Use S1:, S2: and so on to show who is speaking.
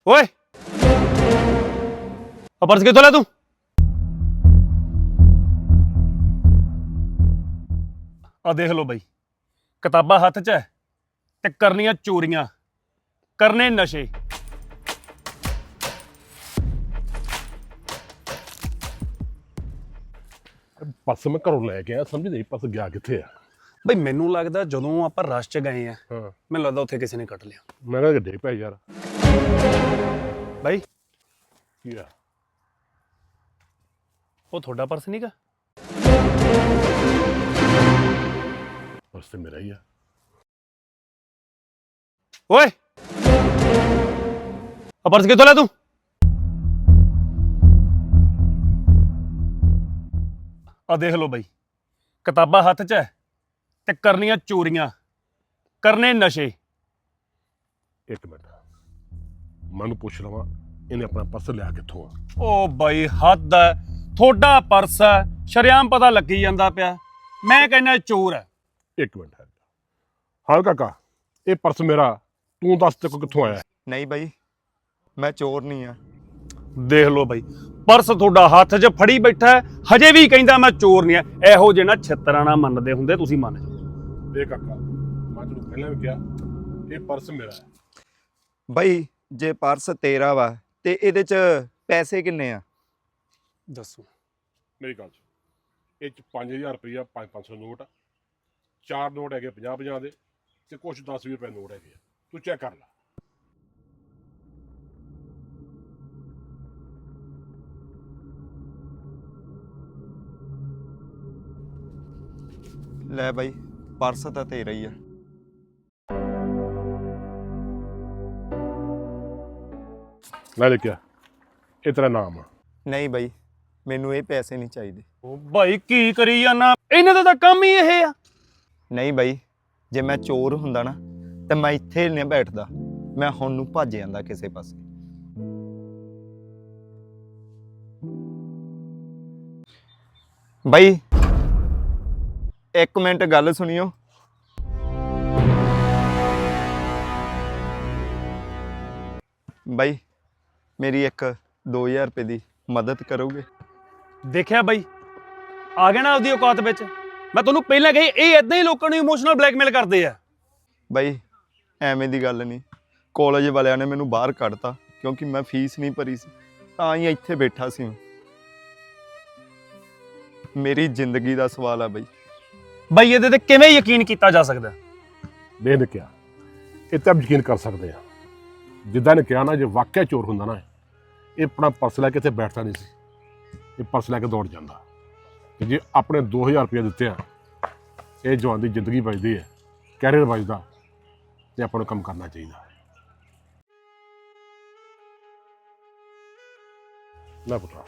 S1: ਓਏ ਆ ਪਰਸ ਕਿੱਥੋਂ ਲਿਆ ਤੂੰ? ਆ ਦੇਖ ਲਓ ਬਈ, ਕਿਤਾਬਾਂ ਹੱਥ 'ਚ ਹੈ ਤੇ ਕਰਨੀਆਂ ਚੋਰੀਆਂ, ਕਰਨੇ ਨਸ਼ੇ।
S2: ਪਰਸ ਮੈਂ ਘਰੋਂ ਲੈ ਕੇ ਆਇਆ, ਸਮਝ ਨਹੀਂ ਪਰਸ ਗਿਆ ਕਿੱਥੇ ਆ।
S1: ਬਈ ਮੈਨੂੰ ਲੱਗਦਾ ਜਦੋਂ ਆਪਾਂ ਰਸ਼ 'ਚ ਗਏ ਆ,
S2: ਹਾਂ
S1: ਮੈਨੂੰ ਲੱਗਦਾ ਉੱਥੇ ਕਿਸੇ ਨੇ ਕੱਟ ਲਿਆ।
S2: ਮੈਂ ਕਿਹਾ ਡਿੱਗ ਪਿਆ ਯਾਰ।
S1: ਬਾਈ
S2: ਕੀ ਆ?
S1: ਉਹ ਤੁਹਾਡਾ ਪਰਸ ਨਹੀਂਗਾ?
S2: ਪਰਸ ਤੇ ਮੇਰਾ ਹੀ ਆ।
S1: ਓਏ ਆ ਪਰਸ ਕਿੱਥੋਂ ਲਿਆ ਤੂੰ? ਆ ਦੇਖ ਲਓ ਬਈ, ਕਿਤਾਬਾਂ ਹੱਥ 'ਚ ਹੈ ਤੇ ਕਰਨੀਆਂ ਚੋਰੀਆਂ, ਕਰਨੇ ਨਸ਼ੇ।
S2: ਇੱਕ ਮਿੰਟ ਮੈਨੂੰ ਪੁੱਛ ਲਵਾਂ, ਇਹਨੇ ਆਪਣਾ ਪਰਸ ਲਿਆ ਕਿੱਥੋਂ ਆ?
S1: ਓ ਬਾਈ ਹੱਦ ਹੈ, ਤੁਹਾਡਾ ਪਰਸ ਹੈ, ਸ਼ਰੇਆਮ ਪਤਾ ਲੱਗੀ ਜਾਂਦਾ ਪਿਆ। ਮੈਂ ਕਹਿੰਦਾ ਚੋਰ ਹੈ।
S2: ਇੱਕ ਮਿੰਟ ਹੈ। ਹਾਂ ਕਾਕਾ, ਇਹ ਪਰਸ ਮੇਰਾ, ਤੂੰ ਦੱਸ ਤੇ ਕਿੱਥੋਂ ਆਇਆ?
S3: ਨਹੀਂ ਬਾਈ, ਮੈਂ ਚੋਰ ਨਹੀਂ ਆ।
S1: ਦੇਖ ਲਓ ਬਾਈ, ਪਰਸ ਤੁਹਾਡਾ ਹੱਥ 'ਚ ਫੜੀ ਬੈਠਾ ਹੈ, ਹਜੇ ਵੀ ਕਹਿੰਦਾ ਮੈਂ ਚੋਰ ਨਹੀਂ ਆ। ਇਹੋ ਜਿਹੇ ਨਾ ਛਿੱਤਰਾਂ ਨਾਲ ਮੰਨਦੇ ਹੁੰਦੇ, ਤੁਸੀਂ ਮੰਨ ਜਾਓ।
S2: ਦੇਖ ਕਾਕਾ, ਮੈਂ ਤੈਨੂੰ ਪਹਿਲਾਂ ਵੀ ਕਿਹਾ ਇਹ ਪਰਸ ਮੇਰਾ ਹੈ।
S3: ਬਾਈ ਜੇ ਪਰਸ ਤੇਰਾ ਵਾ ਤੇ ਇਹਦੇ ਚ ਪੈਸੇ ਕਿੰਨੇ ਆ?
S1: ਦੱਸੋ।
S2: ਮੇਰੀ ਗੱਲ ਸੁਣ, ਇਹ ਚ 5000 ਰੁਪਈਆ, 500 ਨੋਟ, 4 ਨੋਟ ਹੈਗੇ 50 ਦੇ, ਤੇ ਕੁਛ 10-20 ਰੁਪਏ ਨੋਟ ਹੈਗੇ ਆ। ਤੂੰ ਚੈੱਕ ਕਰ ਲੈ।
S3: ਲੈ ਬਾਈ, ਪਰਸ ਤਾਂ ਤੇਰਾ ਹੀ ਆ।
S2: ਲੈ ਲਿਖਿਆ, ਇਹ ਤੇਰਾ ਨਾਮ ਆ।
S3: ਨਹੀਂ ਬਾਈ, ਮੈਨੂੰ ਇਹ ਪੈਸੇ ਨਹੀਂ ਚਾਹੀਦੇ।
S1: ਓ ਭਾਈ ਕੀ ਕਰੀ ਜਾਂਦਾ, ਇਹਨਾਂ ਦਾ ਤਾਂ ਕੰਮ ਹੀ ਇਹ ਆ।
S3: ਨਹੀਂ ਬਾਈ, ਜੇ ਮੈਂ ਚੋਰ ਹੁੰਦਾ ਨਾ ਤੇ ਮੈਂ ਇੱਥੇ ਨਹੀਂ ਬੈਠਦਾ, ਮੈਂ ਹੁਣ ਨੂੰ ਭੱਜ ਜਾਂਦਾ ਕਿਸੇ ਪਾਸੇ। ਬਾਈ ਇੱਕ ਮਿੰਟ ਗੱਲ ਸੁਣਿਓ। ਬਾਈ ਮੇਰੀ ਇੱਕ 2000 ਰੁਪਏ ਦੀ ਮਦਦ ਕਰੋਗੇ?
S1: ਦੇਖਿਆ ਬਾਈ, ਆ ਗਿਆ ਨਾ ਆਪਦੀ ਔਕਾਤ ਵਿੱਚ। ਮੈਂ ਤੁਹਾਨੂੰ ਪਹਿਲਾਂ ਕਹੀ, ਇਹ ਇਦਾਂ ਹੀ ਲੋਕਾਂ ਨੂੰ ਇਮੋਸ਼ਨਲ ਬਲੈਕਮੇਲ ਕਰਦੇ ਆ।
S3: ਬਾਈ ਐਵੇਂ ਦੀ ਗੱਲ ਨਹੀਂ, ਕਾਲਜ ਵਾਲਿਆਂ ਨੇ ਮੈਨੂੰ ਬਾਹਰ ਕੱਢਤਾ ਕਿਉਂਕਿ ਮੈਂ ਫੀਸ ਨਹੀਂ ਭਰੀ ਸੀ, ਤਾਂ ਹੀ ਇੱਥੇ ਬੈਠਾ ਸੀ। ਮੇਰੀ ਜ਼ਿੰਦਗੀ ਦਾ ਸਵਾਲ ਆ ਬਾਈ।
S1: ਬਾਈ ਇਹਦੇ ਤੇ ਕਿਵੇਂ ਯਕੀਨ ਕੀਤਾ ਜਾ ਸਕਦਾ?
S2: ਦੇ ਲਿਖਿਆ, ਇਹ ਤਾਂ ਯਕੀਨ ਕਰ ਸਕਦੇ ਆ। ਜਿੱਦਾਂ ਨੇ ਕਿਹਾ ਨਾ, ਜੇ ਵਾਕਿਆ ਚੋਰ ਹੁੰਦਾ ਨਾ, ਇਹ ਆਪਣਾ ਪਰਸ ਲੈ ਕੇ ਇੱਥੇ ਬੈਠਦਾ ਨਹੀਂ ਸੀ, ਇਹ ਪਰਸ ਲੈ ਕੇ ਦੌੜ ਜਾਂਦਾ। ਤੇ ਜੇ ਆਪਣੇ 2000 ਰੁਪਏ ਦਿੱਤੇ ਆ, ਇਹ ਜਵਾਨ ਦੀ ਜ਼ਿੰਦਗੀ ਬਚਦੀ ਹੈ, ਕੈਰੀਅਰ ਬਚਦਾ, ਤੇ ਆਪਾਂ ਨੂੰ ਕੰਮ ਕਰਨਾ ਚਾਹੀਦਾ। ਲੈ ਪੁੱਤਰਾ,